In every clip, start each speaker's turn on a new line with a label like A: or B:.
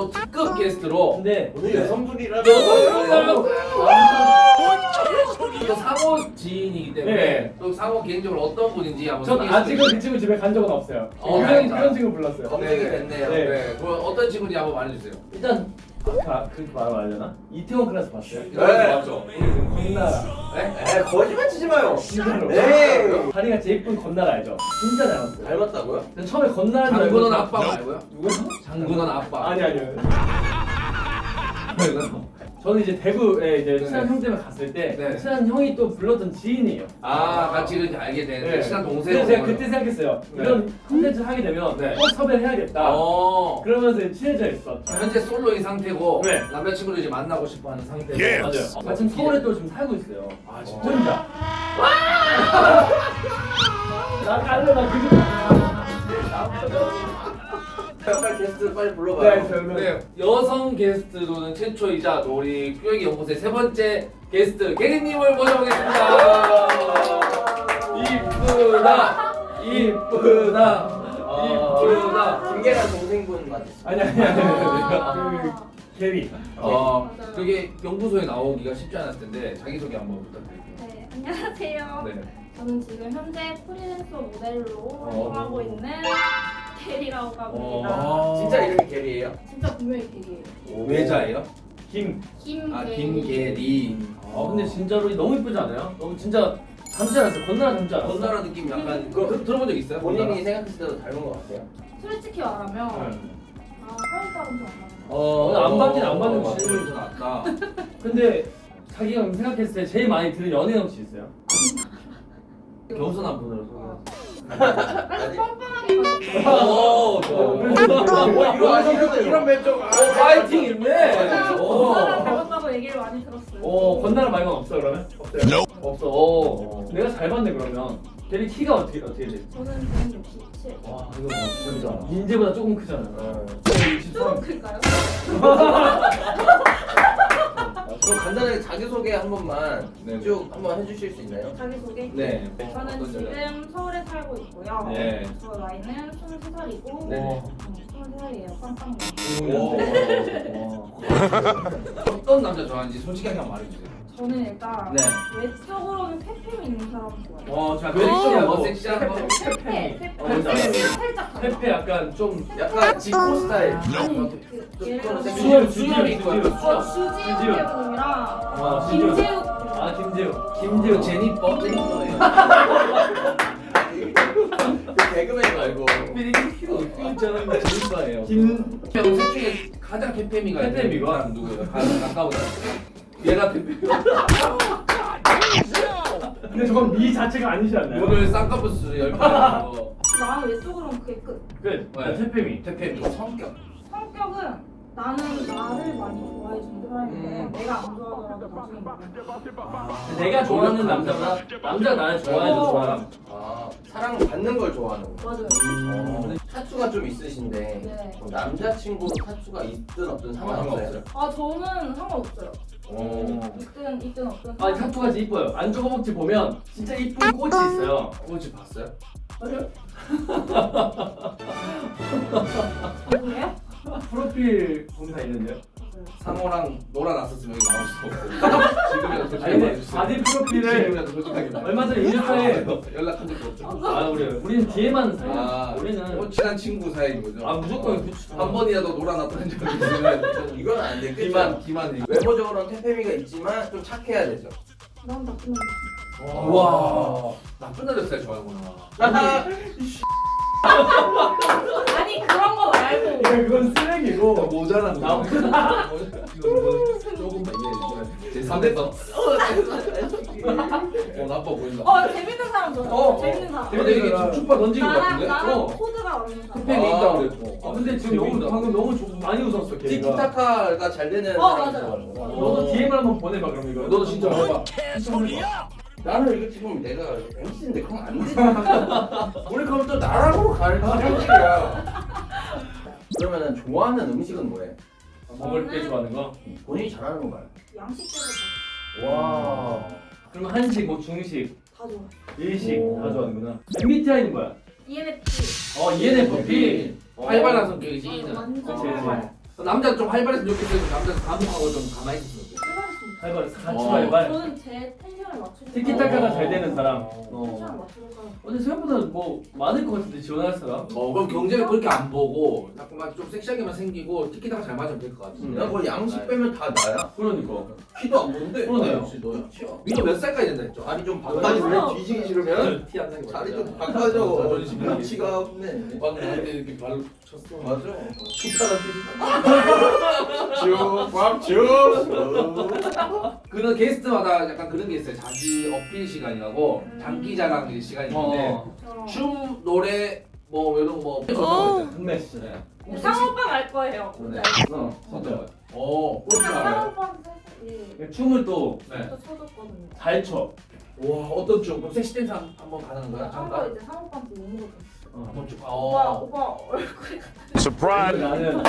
A: 또 특급 게스트로
B: 근데
C: 오늘 여성분이라서
A: 또 상호 지인이기 때문에
B: 네.
A: 또 상호 개인적으로 어떤 분인지 한번
B: 전
A: 소개해
B: 아직은
A: 주세요.
B: 그 친구 집에 간 적은 없어요.
A: 다행이다.
B: 그런 친구 불렀어요.
C: 검증이 됐네요.
B: 네.
A: 네, 그럼 어떤 친구인지 한번 말해주세요.
B: 일단 아까 그렇게 말하면 안 되나? 이태원 클래스 봤어요?
C: 네.
A: 맞죠?
B: 건나라.
A: 네?
C: 에 거짓말 치지 마요.
B: 진짜로.
C: 네.
B: 다리가 제일 예쁜 건나라 알죠? 진짜 닮았어요.
C: 닮았다고요?
B: 근데 처음에 건나라인 줄
A: 장군원
B: 알고
A: 아빠 말고요?
B: 누구요?
A: 장군원 아빠.
B: 아니요. 저는 이제 대구에 이제
A: 네.
B: 친한 형 때문에 갔을 때
A: 네.
B: 친한 형이 또 불렀던 지인이에요.
A: 아, 같이 이렇게 알게 된
B: 네.
A: 친한 동생.
B: 그래서 제가 그때 생각했어요.
A: 네.
B: 이런 컨텐츠를 하게 되면
A: 네.
B: 꼭 섭외를 해야겠다. 그러면서 친해져 있었죠.
A: 현재 솔로인 상태고
B: 네.
A: 남자친구를 이제 만나고 싶어하는 상태고.
B: 맞아요. 마침 서울에 또 지금 살고 있어요.
A: 아, 진짜?
B: 혼자. 나 갈래 나 그게.
C: 빨리 게스트 빨리 불러봐요.
A: 네, 여성 게스트로는 최초이자 또 우리 뼈기 연구소의 세 번째 게스트 게리님을 모셔보겠습니다. 이쁘다, 이쁘다, 이쁘다.
C: 김계란 동생분 맞으시죠?
B: 아니. 그 게리.
A: 그게 연구소에 나오기가 쉽지 않았을 텐데 자기 소개 한번 부탁드릴게요.
D: 네, 안녕하세요.
A: 네.
D: 저는 지금 현재 프리랜서 모델로 활동하고 있는 게리라고 합니다.
C: 진짜 이름이 계리예요?
D: 진짜 분명히 게리예요.
A: 외자예요?
D: 김게리.
A: 아, 김계리.
B: 근데 진짜로 너무 이쁘지 않아요? 너무 진짜 닮지 않았어요? 건나라 닮지 않았어요?
A: 건나라 느낌 약간 그거 들어본 적 있어요?
C: 본인이 생각했을 때도 닮은 것 같아요.
D: 솔직히 말하면 살짝은 좀 안 맞는
B: 안 받긴 안 받는 거
A: 거
B: 같아요.
A: 더 낫다.
B: 근데 자기가 생각했을 때 제일 많이 들은 연예인 혹시 있어요?
A: 겸손한 분으로 소개해.
D: 그래서 뻔뻔하게 가졌어요.
A: 오,
C: 이런 멘트.
A: 파이팅 있네.
D: 건나라 닮았다고 얘기를 많이 들었어요.
B: 건나라 말고는 없어 그러면? 없어요? 없어. 내가 잘 봤네 그러면. 걔리 키가 어떻게 돼?
D: 저는 167.
B: 와 이거 진짜 인재보다 조금 크잖아요.
D: 조금 클까요?
C: 그럼 간단하게 자기소개 한 번만
A: 네.
C: 쭉 한번 해주실 수 있나요?
D: 자기소개?
A: 네.
D: 저는
A: 어떤
D: 지금 서울에 살고 있고요.
A: 네.
D: 저 나이는 23살이고
A: 네.
D: 23살이에요. 빵빵.
A: 어떤 남자 좋아하는지 솔직하게 한번 말해주세요.
D: 저는 일단
A: 네.
D: 외적으로는 페페 있는 사람 좋아해요.
B: 자
A: 섹시한 거,
B: 거
A: 섹시한 거.
D: 페페.
B: 뭔지 알아요.
D: 살짝 달라.
B: 페페 약간 좀
C: 약간 지코 스타일.
D: 아니 그 예를 들어서
B: 수염,
A: 수염이 있고
D: 주지훈
B: 주지훈.
D: 배우님이랑
B: 주지훈.
D: 김재욱
B: 김재우.
A: 제니퍼. 제니퍼예요.
C: 그 개그맨 말고.
A: 있잖아요. 제니퍼예요.
B: 김
A: 셋 중에 가장 페페미가
B: 페페미가?
A: 사람 누구예요? 가까운 사람. 얘가 페페미.
B: 근데 저건 미 자체가 아니지 않나요?
A: 오늘 쌍꺼풀 10개.
D: 나는 외적으로는 그게 끝.
B: 끝.
A: 네.
B: 페페미.
A: 페페미. 성격.
D: 성격은 나는 나를 많이 좋아해 주는 사람인 거야. 내가 안 좋아하더라도 나중에 먹는.
B: 내가 좋아하는 남자가 남자가 나를 좋아해도 좋아함.
C: 사랑받는 걸 좋아하는 거.
D: 맞아요.
C: 타투가 좀 있으신데
D: 네.
C: 남자친구도 타투가 있든 없든 상관없어요?
D: 아 저는 상관없어요.
C: 오.
D: 있든 없든.
B: 아니 타투가 진짜 이뻐요. 안쪽 허벅지 보면 진짜 이쁜 꽃이 있어요.
A: 혹시 봤어요?
B: 맞아요?
D: 누구예요?
B: 프로필 공사 있는데요.
A: 상호랑 놀아놨었으면 여기 나올 수 없어요. 지금이라도 솔직하게
B: 아니 근데
A: 말해주세요.
B: 바디 프로필을
A: 지금이라도 솔직하게 말해주세요.
B: 얼마 전에 인스타에
A: 연락한 적도 없죠.
B: 우리는 뒤에만 사요.
A: 아,
B: 우리는
A: 친한 친구 사이인 거죠?
B: 무조건 그쵸.
A: 한 번이라도 놀아놨던 적이 있으면
C: 이건 안 돼.
A: 기만 이거.
C: 외모적으로는 태페미가 있지만 좀 착해야 되죠.
D: 난 나쁜 놈.
A: 와, 나쁜 남자 스타일 좋아하는구나.
D: 아니 그런 거 말고.
B: 그건 쓰레기고
A: 모자란
B: 나
A: 이거 조금만 이해해주시면 제 3대성. 나빠 보인다.
D: 재밌는 사람 좋아. 재밌는 사람.
A: 근데 이게 지금 추파 던진 것 같은데?
D: 나랑 코드가 맞는 사람.
A: 팬이 있다고 그랬고.
B: 근데 지금 너무 방금 너무 많이 웃었어 걔가.
C: 티키타카가 잘 되는
D: 맞아요.
C: 좋아하는 거.
B: 너도 DM을 한번 보내봐 그럼 이거.
A: 너도 진짜 해봐.
C: 나는 이거 지금 내가 MC인데 그럼 안 되지. 우리 그럼 또 나락으로 갈 형식이야. 그러면은 좋아하는 음식은 뭐예요?
B: 먹을 때 좋아하는 거.
C: 본인이 잘하는 거 말이야.
D: 양식적으로
C: 와.
B: 그럼 한식, 뭐 중식,
D: 다 좋아.
B: 일식
C: 오.
B: 다 좋아하는구나. MBTI는 뭐야?
D: ENFP.
B: ENFP.
A: 활발한 성격이지.
D: 완전
B: 그치, 그치.
D: 활발.
A: 남자는 좀 활발했으면 좋겠어요. 남자는 감옥하고 좀 가만히 있으면 좋겠어요.
D: 해봤습니다.
B: 발발 같이 발발.
D: 저는 제 텐션을 맞추는
B: 티키타카가 잘 되는 사람.
D: 텐션을 맞추는 사람.
B: 근데 생각보다 뭐 많을 것 같은데 지원할 사람?
A: 그럼 경쟁을 그렇게 안 보고 자꾸만 좀 섹시하게만 생기고 티키타가 잘 맞으면 될 것 같은데.
C: 야, 뭐 양식 빼면 다 나야.
B: 그러니까.
C: 키도 안 보는데.
B: 그러네요.
C: 역시 너야.
A: 민호 몇 살까지 된다 했죠?
C: 다리 좀
D: 맞아.
C: 바꿔줘. 왜 뒤지기 싫으면
A: 티 안 나게
C: 다리
A: 맞아.
C: 좀 바꿔줘.
A: 자존심
C: 눈치가 없네.
A: 방금 할때 이렇게 발로 쳤어.
C: 맞아.
A: 축하라
C: 쭉.
A: 그런 게스트마다 약간 그런 게 있어요. 자기 어필 시간이라고 장기자랑 시간이 있는데
D: 저
A: 춤, 노래 뭐 이런 거 뭐.
B: 흥내 씨.
D: 상호 오빠는 알 거예요.
A: 네.
B: 맞아.
A: 그렇게
D: 상호
A: 알아요.
D: 오빠한테 예.
B: 춤을 또
A: 네.
D: 저 쳐줬거든요.
B: 잘 춰.
A: 와 어떤 춤? 그럼 섹시 댄스 한번 가는 거야?
D: 한거
A: 잠깐.
D: 이제 상호 오빠한테 너무 좋았어.
A: 한번 쭉.
D: 오빠 얼굴이
B: 나는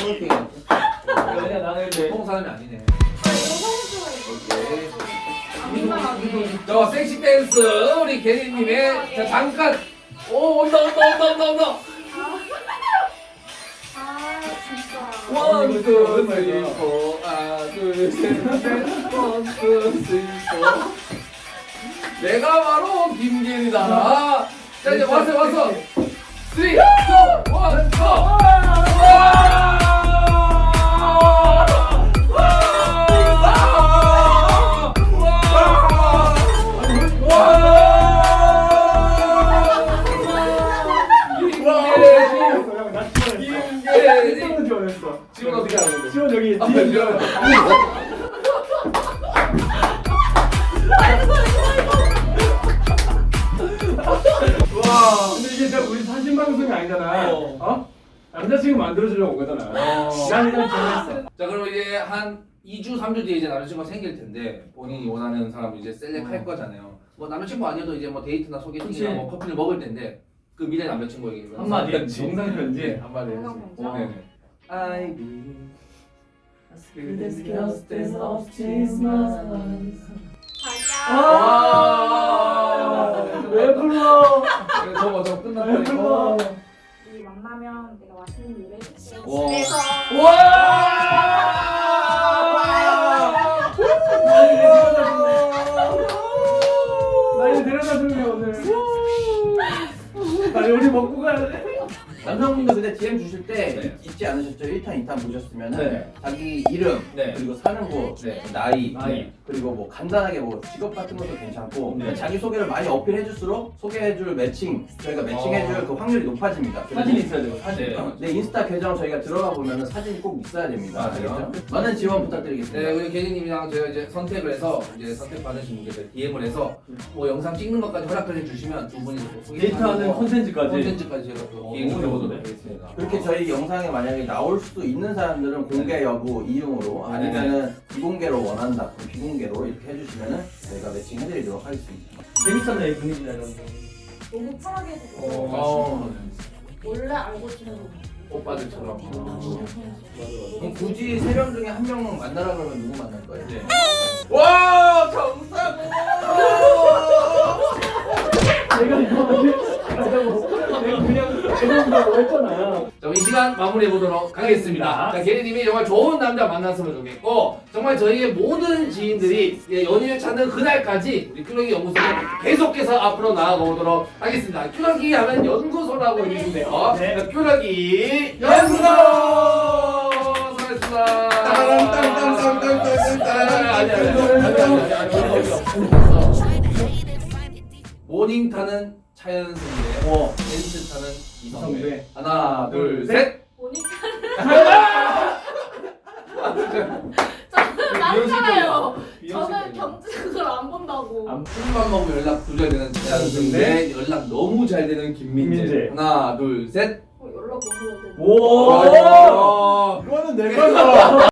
B: 그냥 나는 이제
A: 보통 사람이 아니네.
D: 여성스러워. 민망하게.
A: 저 섹시 댄스 우리 개리님의 자 잠깐. 오 온다.
D: 아 진짜.
A: 원, 투, 쓰리, 포. 하나, 둘, 셋, 넷, 원, 투, 쓰리, 포. 내가 바로 김계리다. 자 이제 왔어. 쓰리, 투, 원, 투. 지원 어떻게 하는 건데?
B: 지원 여기
A: 아,
B: 뒤에
A: 지원.
B: 와 근데 이게 진짜 우리 사진 방송이 아니잖아. 어? 남자친구 만들어주려고 온 거잖아. 난 일단 지원했어.
A: 자 그럼 이제 한 2주, 3주 뒤에 이제 남자친구가 생길 텐데 본인이 원하는 사람을 이제 셀렉할 거잖아요. 뭐 남자친구 아니어도 이제 뭐 데이트나 소개팅이나
B: 그치.
A: 뭐 커피를 먹을 텐데 그 미래 남자친구에게
B: 한마디
A: 편지.
B: 영상 편지.
A: 네, 한마디
D: 영상
A: 해주세요.
D: 편지요?
A: 네네. I be
D: 자기야.
B: 와. 왜 불러?
A: 저거
B: 왜
A: 끝났다
B: 불러?
A: 이거.
D: 우리 만나면 내가 맛있는 요리 해줄게.
A: 와.
D: 집에서.
B: 나 이거 데려다 줄래 오늘. 나 요리 먹고 가야 돼.
C: 남성분들 근데 DM 주실 때
A: 네.
C: 잊지 않으셨죠? 1탄, 2탄 보셨으면은
A: 네.
C: 자기 이름,
A: 네.
C: 그리고 사는 곳,
A: 네.
C: 나이,
B: 나이.
C: 그리고 뭐 간단하게 뭐 직업 같은 것도 괜찮고
B: 네.
C: 자기 소개를 많이 어필해줄수록 소개해줄 매칭, 저희가 매칭해줄 그 확률이 높아집니다.
B: 사진 있어야 돼요. 사진.
A: 네.
C: 네, 인스타 계정 저희가 들어가 보면은 사진이 꼭 있어야 됩니다.
A: 맞아요.
C: 알겠죠? 많은 지원 부탁드리겠습니다.
A: 네, 우리 개니님이랑 제가 이제 선택을 해서 이제 선택 받으신 분께 DM을 해서 뭐 영상 찍는 것까지 허락을 해주시면 두 분이
B: 데이트하는 콘텐츠까지.
A: 콘텐츠까지 제가 또 기획을
B: 너무
A: 해보도록
B: 좋은데?
A: 하겠습니다.
C: 그렇게 저희 영상에 만약에 나올 수도 있는 사람들은 공개 여부 이용으로 아니면은 비공개로 원한다 그럼 비공개로 이렇게 해주시면은 저희가 매칭해드리도록 하겠습니다.
B: 재밌었네 이 분위기나 이런 거.
D: 너무 편하게 해주고.
A: 어,
D: 원래 알고 지내는
A: 오빠들처럼.
C: 그럼 굳이 세 명 중에 한 명 만나라 그러면 누구 만날 거예요?
A: 네.
C: 와 정사고!
B: 내가 이거 내가 그냥 제가 했잖아.
A: 자, 이 시간 마무리해 보도록 하겠습니다. 자, 개리님이 정말 좋은 남자 만났으면 좋겠고 정말 저희의 모든 지인들이 연인을 찾는 그날까지 우리 큐러기 연구소는 계속해서 앞으로 나아가 보도록 하겠습니다. 큐러기 하면 연구소라고 해주시네요.
B: 네.
A: 자, 큐러기 연구소! 수고하셨습니다. 모닝 타는 차연승대, 벤츠 타는 이성배.
B: 이성배.
A: 하나, 둘, 셋.
D: 보니까
A: 미용실이요.
D: 많잖아요. 저는 경제 그걸 안 본다고.
A: 술만 먹으면 연락 두절되는 차연승대, 연락 너무 잘 되는 김민재.
B: 김민재.
A: 하나, 둘, 셋.
D: 연락 못 해야 돼.
B: 오.
A: 와.
B: 이거는 내가